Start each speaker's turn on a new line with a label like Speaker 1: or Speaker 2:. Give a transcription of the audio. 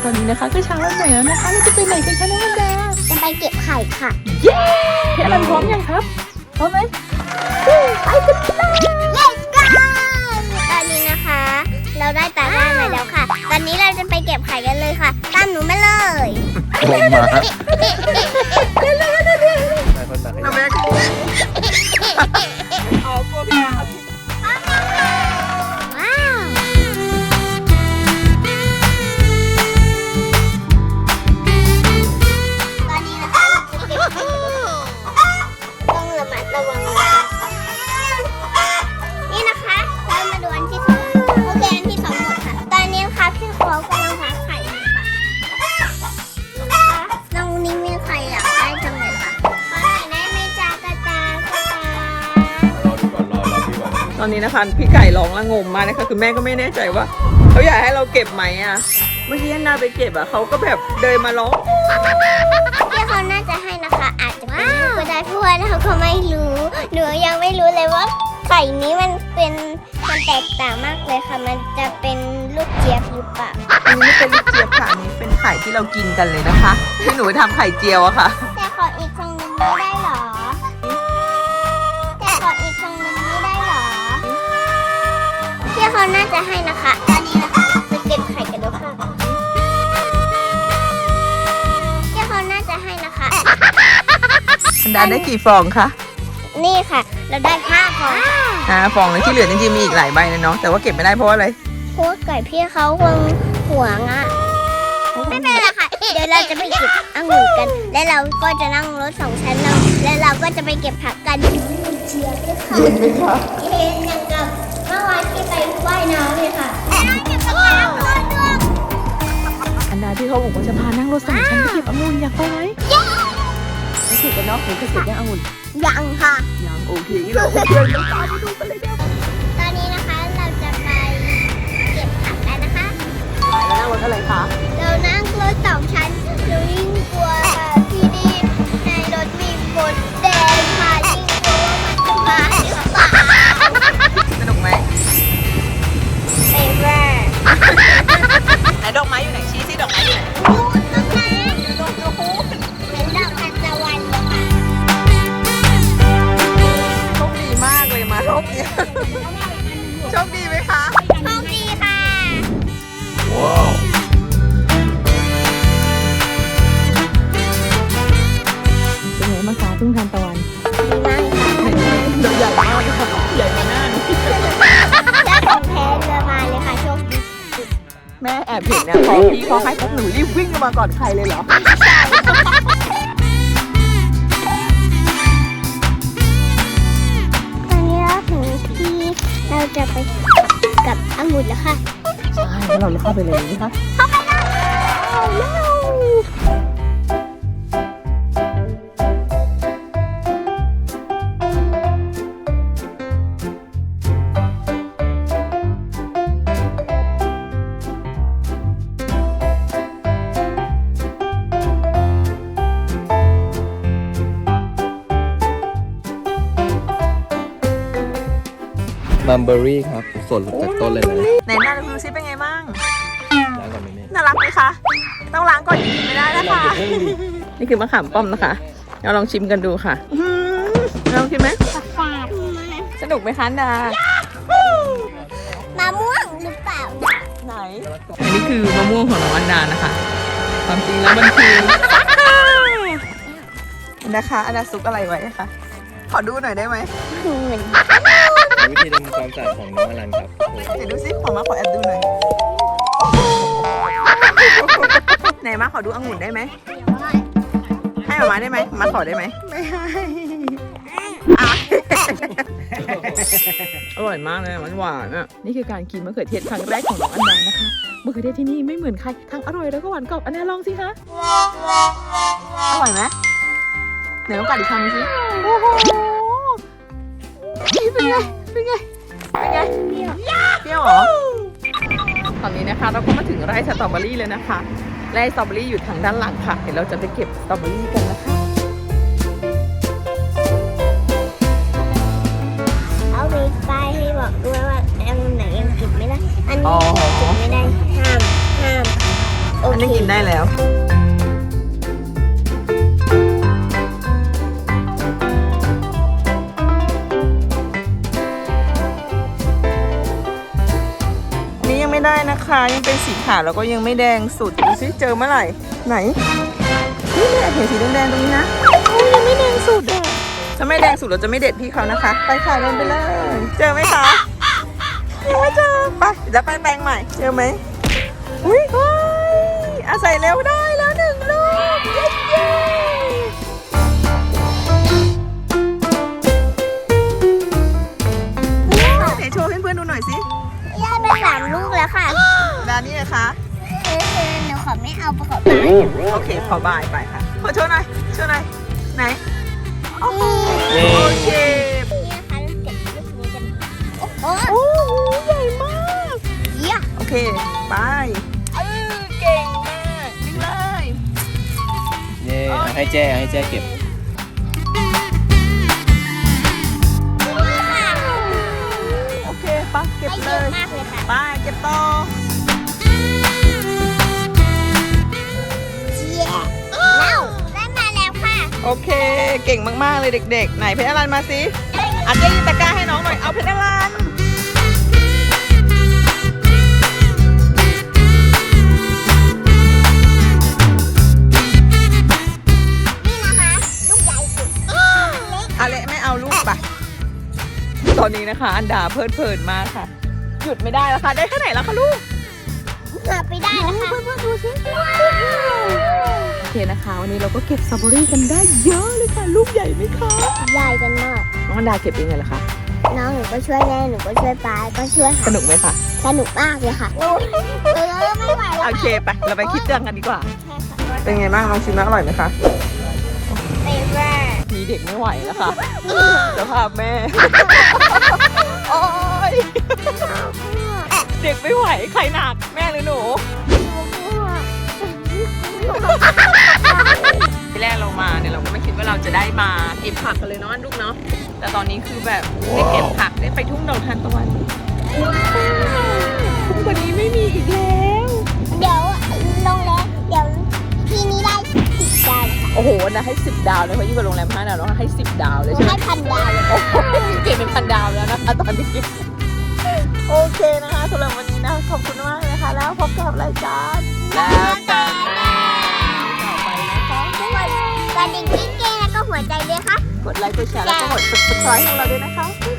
Speaker 1: อนนี้นะคะก็เช้าวันใหม่แล้วนะคะเราจะไปไหนกันคะน้องอันดา
Speaker 2: จะไปเก็บไข่ค่ะ
Speaker 1: เย้พี่อลันพร้อมยังครับพร้อมไหมไปกันเลย
Speaker 2: Let's go ตอนนี้นะคะ เราได้ตาบ้านมาแล้วค่ะ ตอนนี้เราจะไปเก็บไข่กันเลยค่ะ ตามหนูมาเลย
Speaker 3: ลงมา
Speaker 1: น้ำแม่เอาพวกเรา
Speaker 2: ว้าว ตอนนี้นะคะต้องระมัดระวังนี่นะคะเรามาดูอันที่สองโอเคอันที่สองหมดค่ะ ตอนนี้นะคะพี่เขากำลังหาไข่อยู่ค่ะน้องนี่มีไข่อยากได้จังเลยค่ะขอหน่อยได้ไหมจ๊ะกระตากระตา
Speaker 1: ตอนนี้นะคะพี่ไก่ร้องละงมมากนะคะคือแม่ก็ไม่แน่ใจว่าเขาอยากให้เราเก็บไหมอ่ะเมื่อกี้อันดาไปเก็บอ่ะเขาก็แบบเดินมาร้อง
Speaker 2: พี่เขาน่าจะให้นะคะ อาจจะเป็นลูกก็ได้เพราะว่าเราก็ไม่รู้หนูยังไม่รู้เลยว่าไข่นี้มันแตกต่างมากเลยค่ะ มันจะเป็นลูกเจี๊ยบหรือเปล่า
Speaker 1: อันนี้ไม่เป็นลูกเจี๊ยบค่ะอันนี้เป็นไข่ที่เรากินกันเลยนะคะที่หนูทำไข่เจียวอะค่ะ
Speaker 2: แต่ขออีกครั้งหนึงไม่ได้หรอ แต่ขออีกครั้งหนึงไม่ได้หรอพี่เขาน่าจะให้นะคะ ตอนนี้นะคะไปเก็บไข่กันดูค่ะพี่เขาน่าจะให้นะคะ
Speaker 1: อันดาได้กี่ฟองคะ
Speaker 2: นี่ค่ะ เราได้5 ฟอง
Speaker 1: 5 ฟองเลยที่เหลือจริงๆมีอีกหลายใบนะเนาะแต่ว่าเก็บไม่ได้เพราะว่าอะไร
Speaker 2: เพราะว่าไก่พี่เขาคงหวงอ่ะ ไม่เป็นไรค่ะ เดี๋ยวเราจะไปเก็บองุ่นกัน และเราก็จะนั่งรถ2 ชั้นเราและเราก็จะไปเก็บผักกันเชียร์ด้วยค่ะ
Speaker 1: เย็นไหมคะ
Speaker 2: เย็นอย่างกับเมื่อวานที่ไปว่ายน้ำเลยค่ะนั่งเก็บผักกันด้วย
Speaker 1: อันดาที่เขาบอกว่าจะพานั่งรถ2 ชั้นไปเก็บองุ่นอยากไปไหมไม่เก็บกันเนาะหนูเคยเก็บยังองุ่น
Speaker 2: ยังค่ะ
Speaker 1: ยังโอเคเราเดินกันต่อไปดูกันเลยเดี๋ยว
Speaker 2: ตอนนี้นะคะเราจะไปเก็บผักกันนะคะ
Speaker 1: แล้วนั่งรถอะไรคะ
Speaker 2: เรานั่งรถ2 ชั้นเรายิ่งกลัวที่นี่ในรถมีมดแดงค่ะยิ่งกลัวว่ามันจะมาหรือเปล่า
Speaker 1: สนุกไหม
Speaker 2: ไปแว่
Speaker 1: ไหนดอกไม้อยู่ไหนชี้สิดอกไม้อยู่ไหน
Speaker 2: นู่นตรงนั้นเป็นดอกทานตะวันเลยค่ะ
Speaker 1: โชคดีมากเลยมารอบเนี้ยโชคดีไหมคะ
Speaker 2: โชคดีค่ะ
Speaker 1: เป็นไงบ้างคะทุ่งทานตะวัน
Speaker 2: ดีมากค่ะ
Speaker 1: ดอกใหญ่มากเลยค่ะใหญ่กว่าหน้าหนู
Speaker 2: ได้ของแท้เรือมาเลยค่ะโชคดี
Speaker 1: แม่แอบเห็นเนี่ยพอพี่เขาให้ปุ๊บหนูรีบวิ่งมาก่อนใครเลยเหรอ
Speaker 2: ตอนนี้เราถึงที่เราจะไปกับองุ่นแล้วค่ะ
Speaker 1: ใช่แล้วเราเข้าไปเลยไหมคะ
Speaker 2: เข้าไปเลย
Speaker 3: มัมเบอรี่ครับสดจากต้นเลยนะ
Speaker 1: ไหนหน้าดูซิเป็นไงบ้าง
Speaker 3: ล้างก่อนไหมแม่
Speaker 1: น่ารักไหมคะ ต้องล้างก่อนกินไม่ได้นะคะ นี่คือมะขามป้อมนะคะเราลองชิมกันดูค่ะลองชิมไหม
Speaker 2: ฝาด
Speaker 1: สนุกไหมคะดาม
Speaker 2: ะม่วงหรือเปล่า
Speaker 1: ไหน อันนี้คือมะม่วงของน้องอันดานะคะ ความจริงแล้วมันคือนะคะอันดาซุกอะไรไว้คะ ขอดูหน่อยได้ไหม
Speaker 2: เหมือน
Speaker 3: วิธีทำความสะอาดของน้องอลันครับ
Speaker 1: เดี๋ยวดูซิขอมาขอแอบดูหน่อย ไหนมาขอดูองุ่นได้ไหม ให้หมาได้ไหมมาขอได้ไหม ไม่ให้อ่ะอร่อยมากเลยหวานๆอ่ะ นี่คือการกินมะเขือเทศครั้งแรกของน้องอันดานะคะ มะเขือเทศที่นี่ไม่เหมือนใคร ทั้งอร่อยแล้วก็หวานกรอบ อันดาลองสิคะ อร่อยไหมไหนลองกัดอีกคำสิโอ้โหเป็นไง เป็นไง เป็นไง เปรี้ยวเหรอ ตอนนี้นะคะเราก็มาถึงไร่สตรอเบอรี่เลยนะคะ ไร่สตรอเบอรี่อยู่ทางด้านหลังค่ะ เดี๋ยวเราจะไปเก็บสตรอเบอรี่กันนะคะ
Speaker 2: เอาไปป้ายให้บอกด้วยว่าอันไหนยังเก็บไม่ได้ อันนี้
Speaker 1: อ๋อ
Speaker 2: เก็บไม่ได้ห้ามอม
Speaker 1: ได้กินได้แล้วนี่ยังไม่ได้นะคะยังเป็นสีขาวแล้วก็ยังไม่แดงสุดดูซิเจอเมื่อไหร่ไหนนี่แม่เห็นสีแดงๆตรงนี้นะโอ้ยยังไม่แดงสุดอ่ะถ้าไม่แดงสุดเราจะไม่เด็ดพี่เขานะคะไปค่ะเดินไปเลยเจอไหมคะยังไม่เจอไปเดี๋ยวไปแปลงใหม่เจอไหมอุ้ยอาศัยเร็วได้แล้วหนึ่งลูกเย้เย้ไหนโชว์ให้เพื่อนๆดูหน่อยสิ
Speaker 2: ได้ไป3 ลูกแล้วค่ะ
Speaker 1: ด้านนี้เลยคะ
Speaker 2: คือหนูขอไม่เอาประกอบ
Speaker 1: โอเคขอบายไปค่ะขอโชว์หน่อยโชว์หน่อยไหนโอ้โห
Speaker 3: เย้
Speaker 1: โอเค
Speaker 2: นี่นะคะเราเก็บลูกนี้กันโอ้โห
Speaker 1: โอ้โหใหญ่มาก
Speaker 2: เยี่ยม
Speaker 1: โอเคไปเก่งมากวิ่งเลย
Speaker 3: เย้เอาให้แจ้เก็บ
Speaker 1: โอเคปะเก็บ
Speaker 2: ได้
Speaker 1: เล
Speaker 2: เยอะ
Speaker 1: ย
Speaker 2: มากเลยค่ะ
Speaker 1: ไปเก็บต่อ
Speaker 2: เยี่ยมแล้วได้มาแล้วค่ะ
Speaker 1: โอเค เก่งมากๆเลยเด็กๆไหนเพชรอรันมาสิอัดเจ๊ยินตะกร้าให้น้องหน่อยเอาเพชรอรัน
Speaker 2: นี่นะคะ ลูกใหญ่สุดเล็ก
Speaker 1: อะไรไม่เอาลูกปะตอนนี้นะคะ อันดาเพลินมากค่ะ หยุดไม่ได้แล้วค่ะได้แค่ไหนแล้วคะลูก
Speaker 2: เกือบไปได้แล้วค่ะเพื่อนๆดูสิ
Speaker 1: โอเคนะคะวันนี้เราก็เก็บสตรอเบอรี่กันได้เยอะเลยค่ะลูกใหญ่ไหมคะ
Speaker 2: ใหญ่กันมาก
Speaker 1: น้องอันดาเก็บเองเลยเหรอคะ
Speaker 2: น้องหนูก็ช่วยแม่หนูก็ช่วยป้าก็ช่วย
Speaker 1: ส
Speaker 2: ค่ะ
Speaker 1: นุกไหมคะ
Speaker 2: สนุกมากเลยค่ะไม่ไหวแล้ว
Speaker 1: โอเคไปเราไปคิดเรื่องกันดีกว่า
Speaker 2: ค่ะ
Speaker 1: เป็นไงบ้างลองชิมนะอร่อยไหมคะ
Speaker 2: เฟเวอร์
Speaker 1: มีเด็กไม่ไหวแล้วค่ะสภาพแม่ โอ๊ยเด็กไม่ไหวใครหนักแม่หรือหนูทีแรกเรามาเนี่ยเราก็ไม่คิดว่าเราจะได้มาเก็บผักกันเลยเนาะลูกเนาะแต่ตอนนี้คือแบบได้เก็บผักได้ไปทุ่งดอกทานตะวันทุ่งกว่านี้ไม่มีอีกแล้ว
Speaker 2: เดี๋ยวลงแล้วเดี๋ยวทีนี้ได้10 ดาวค่ะ
Speaker 1: โอ้โหนะให้10 ดาวเลยเพราะยิ่งกว่าโรงแรม5 ดาวเนาะให้10 ดาวเลยใช่ไหม
Speaker 2: ให้1,000 ดาวเลย
Speaker 1: โอ้โหเก่งเป็น1,000 ดาวแล้วนะคะตอนนี้โอเคนะคะสำหรับวันนี้นะขอบคุณมากเลยนะคะแล้วพบกับรายการแล้วกันต่อไปนะคะ
Speaker 2: กดกระดิ่งกิ๊งเก้แล้วก็หัวใจด้วยค่ะ
Speaker 1: กดไลค์กดแชร์แล้วก็กด subscribe ให้เราด้วยนะคะ